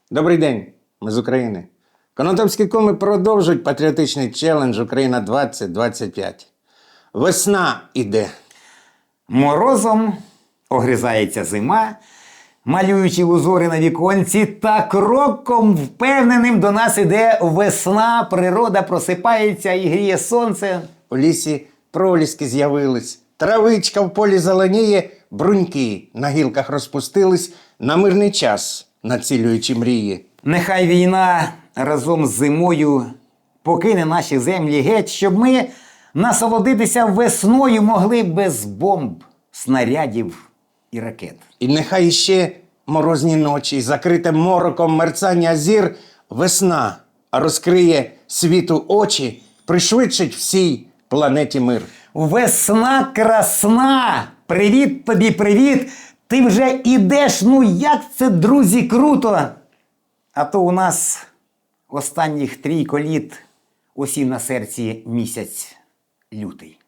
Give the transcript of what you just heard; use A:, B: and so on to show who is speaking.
A: Добрий день, ми з України. Конотопські коми продовжують патріотичний челендж «Україна 2025». Весна іде.
B: Морозом огризається зима, малюючи узори на віконці, та кроком впевненим до нас іде весна, природа просипається і гріє сонце.
A: У лісі проліски з'явились, травичка в полі зеленіє, бруньки на гілках розпустились, на мирний час націлюючи мрії.
B: Нехай війна разом з зимою покине наші землі геть, щоб ми насолодитися весною могли без бомб, снарядів і ракет.
A: І нехай іще морозні ночі, закрите мороком мерцання зір, весна розкриє світу очі, пришвидшить всій планеті мир.
B: Весна красна! Привіт тобі, привіт! Ти вже ідеш, ну як це, друзі, круто! А то у нас останніх 3 літ осів на серці місяць лютий.